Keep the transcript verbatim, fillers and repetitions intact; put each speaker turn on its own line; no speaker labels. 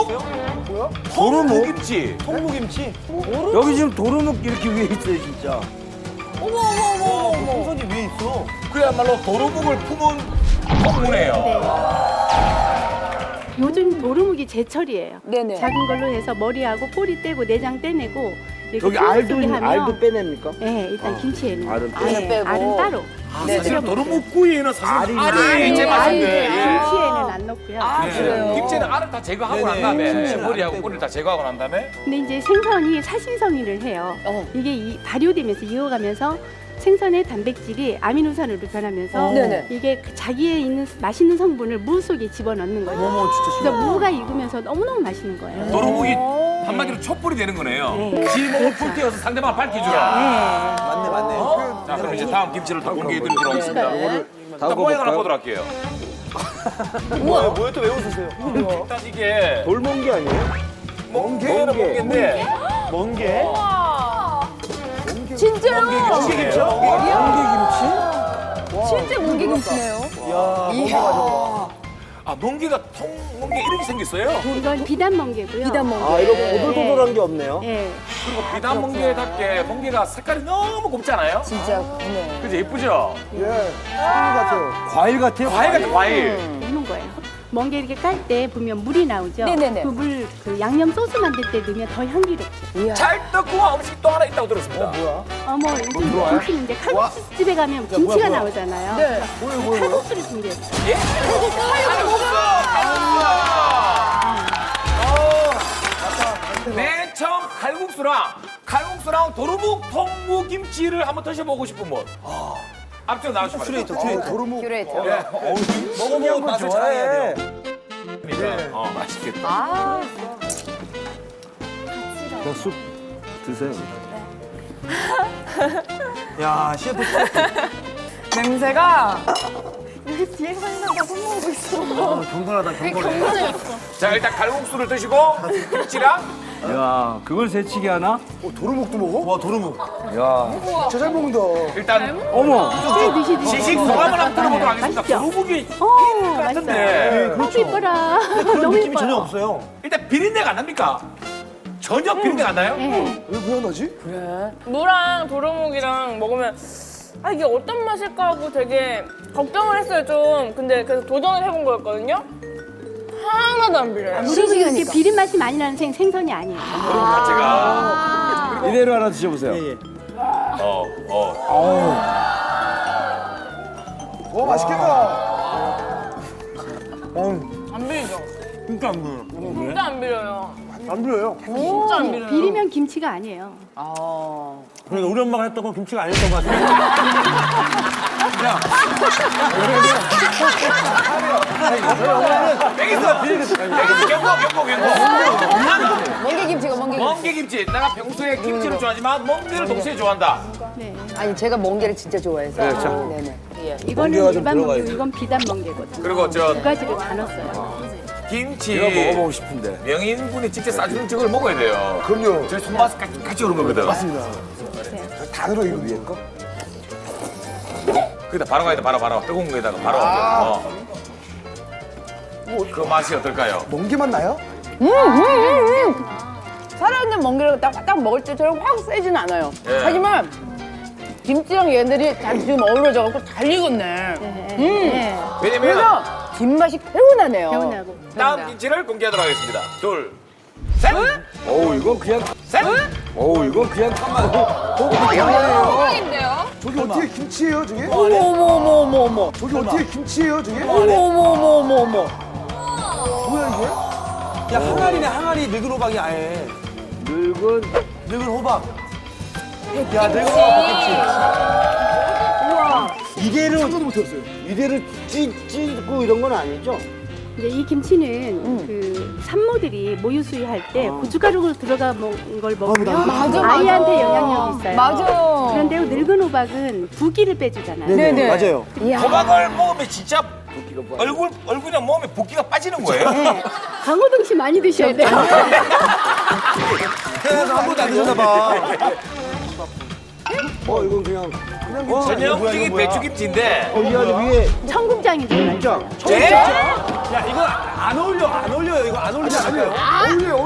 있어요? 뭐야?
도루묵?
김치. 통무김치?
여기 지금 도루묵 이렇게 위에 있어요, 진짜.
어머 어머 어머 어머.
풍선이 위에 있어.
그야말로 도루묵을 품은 통무네요.
네. 요즘 도루묵이 제철이에요.
네네.
작은 걸로 해서 머리하고 꼬리 떼고 내장 떼내고 이렇게
여기
소스
알도,
속에 하면
알도 빼냅니까?
네, 일단 김치에는
알은
네,
빼고. 빼고.
알은 따로.
네.
사실 도루묵구이는 사실 알이
알은
제 맛인데.
알은
예.
김치에는 안 넣고요.
아,
예.
그래요?
김치는 알을 다 제거하고
네네.
난 다음에
김치는
머리하고
안
꼬리를 다 제거하고 난 다음에
근데 이제 생선이 사신성인을 해요.
어.
이게 이 발효되면서 이어가면서 생선의 단백질이 아미노산으로 변하면서
어. 네네.
이게 그 자기에 있는 맛있는 성분을 무 속에 집어넣는 거예요.
어머, 진짜
그래서 무가 익으면서 너무너무 맛있는 거예요.
도루묵이 한마디로 촛불이 되는 거네요.
네.
지목을 불태워서 상대방을 밝혀주라.
맞네, 맞네.
어? 자, 그럼 이제 다음 김치를 또 공개해드리도록 하겠습니다.
네.
일단 모양 하나 보도록 할게요.
뭐야, 뭐야, 또 왜 웃으세요?
일단 이게
돌멍게 아니에요?
멍게는
멍게.
멍게인데
먼 게?
진짜요?
멍게김치야, 멍게?
진짜 멍게김치네요.
야, 멍게 가져와.
아 멍게가 통 멍게 이렇게 생겼어요.
이건 비단 멍게고요.
비단 멍게.
아, 이거 오돌도돌한 게 없네요.
네.
그리고 비단 멍게답게 멍게가 색깔이 너무 곱잖아요.
진짜 네.
그죠 예쁘죠?
예. 과일 같아요. 과일 같아요?
과일 같은 과일.
이런 거예요. 멍게 이렇게 깔 때 보면 물이 나오죠.
네네네.
그 물, 그 양념 소스 만들 때 넣으면 더 향기롭죠.
이야.
찰떡궁합 음식이 또 하나 있다고 들었습니다.
뭐야?
어머, 요즘 김치는 이제 칼국수 집에 가면 김치가
뭐야, 뭐야.
나오잖아요.
네.
뭐야, 뭐야, 뭐야?
칼국수를 준비했어요.
예? 칼국수! 맨 처음 칼국수랑 칼국수랑 도루묵 통무 김치를 한번 드셔보고 싶은 분. 앞쪽 나오시면
큐레이터, 큐레이터. 도루묵.
큐레이터.
예.
먹으면 맛을 잘해야 돼요.
네. 어, 맛있겠다.
아.
쑥 드세요.
야, 셰프.
냄새가 여기 뒤에 사람들 손 모으고 있어.
아, 경건하다, 경건해.
자, 일단 칼국수를 드시고 김치랑
야, 그걸 새치기 하나?
어, 도루묵도 먹어? 와, 도루묵.
야.
진짜 잘 먹는다.
일단
어머.
네, 드시, 드시.
시식 소감을 한번 들어보도록 하겠습니다.
맛있죠?
도루묵이
어,
같은데.
맛있어요. 너무 이뻐라.
그런
너무
느낌이 전혀
이뻐요.
없어요.
일단 비린내가 안 납니까? 전혀 비린내가 안 나요?
네.
왜, 왜 안 나지?
무랑 도루묵이랑 먹으면 아 이게 어떤 맛일까 하고 되게 걱정을 했어요 좀. 근데 그래서 도전을 해본 거였거든요. 하나도 안 비려요.
그리고 이렇게 비린 맛이 많이 나는 생, 생선이 아니에요.
도루묵 자체가.
이대로 하나 드셔보세요.
예, 예.
어, 어.
와, 맛있겠다.
안 비리죠?
진짜 안 보여.
진짜 안 비려요.
안 보여요.
진짜 안 비려요.
비리면 김치가 아니에요.
그러니까 우리 엄마가 했던 건 김치가 아니었던 것 같아요.
여기서 여기서 경고 경고 경고.
멍게김치가 멍게김치.
멍게김치. 내가 평소에 김치를 좋아하지만 멍게를 동시에 좋아한다.
네.
아니 제가 멍게를 진짜 좋아해서.
네, 자.
네네. 예.
이거는
멍게가 좀
일반 멍게고
들어가야지.
이건 비단 멍게거든요.
그리고 저
두 가지를 다 넣었어요.
김치
이거 먹어보고 싶은데.
명인분이 직접 싸주는 저걸 먹어야 돼요.
그럼요.
저희 손맛 같이, 같이 오는 거거든.
맞습니다. 다 들어, 이거 위에 거?
그다 바로 가야 돼. 바로 바로 뜨거운 거에다가 바로. 어. 그 맛이 어떨까요?
멍게만 나요?
살아있는 멍게를 딱, 딱 먹을 때처럼 확 세진 않아요.
예.
하지만 김치랑 얘들이 잘 지금 어우러져갖고 잘 익었네.
네.
음.
네.
왜냐면
그래서 뒷맛이 개운하네요.
개운하고.
다음 김치를 공개하도록 하겠습니다. 둘, 셋,
어우, 이건 그냥.
셋.
어우, 이건 그냥.
저기 어떻게 김치예요, 저게?
어머 어머 어머 어머 어머.
저기 어떻게 김치예요, 저게?
어머 어머 어머 어머 어머.
뭐야, 이게? 야, 항아리네, 항아리. 늙은 호박이 아예.
늙은.
늙은 호박. 야, 늙은 호박 김치.
이대로.
상상도 못했어요.
이대로 찌, 찌고 이런 건 아니죠?
이제 이 김치는 그 산모들이 모유 수유할 때 고춧가루 들어가 먹은 걸 먹으면
맞아, 맞아.
아이한테 영향력이 있어요.
맞아.
그런데 늙은 호박은 부기를 빼주잖아요.
네네.
맞아요.
호박을 먹으면 진짜 얼굴 얼굴이나 몸에 붓기가 빠지는 거예요.
네. 강호동 씨 많이 드셔야 돼요.
태어나서 한 번도 안 드셨나 봐.
어, 이건 그냥.
어,
전형적인 배추김치인데
어, 이 안에 위에.
청국장이 들어가 있어요.
네?
야, 이거 안 어울려, 안 어울려요. 이거 안 어울리지 않을까요?
어울려요,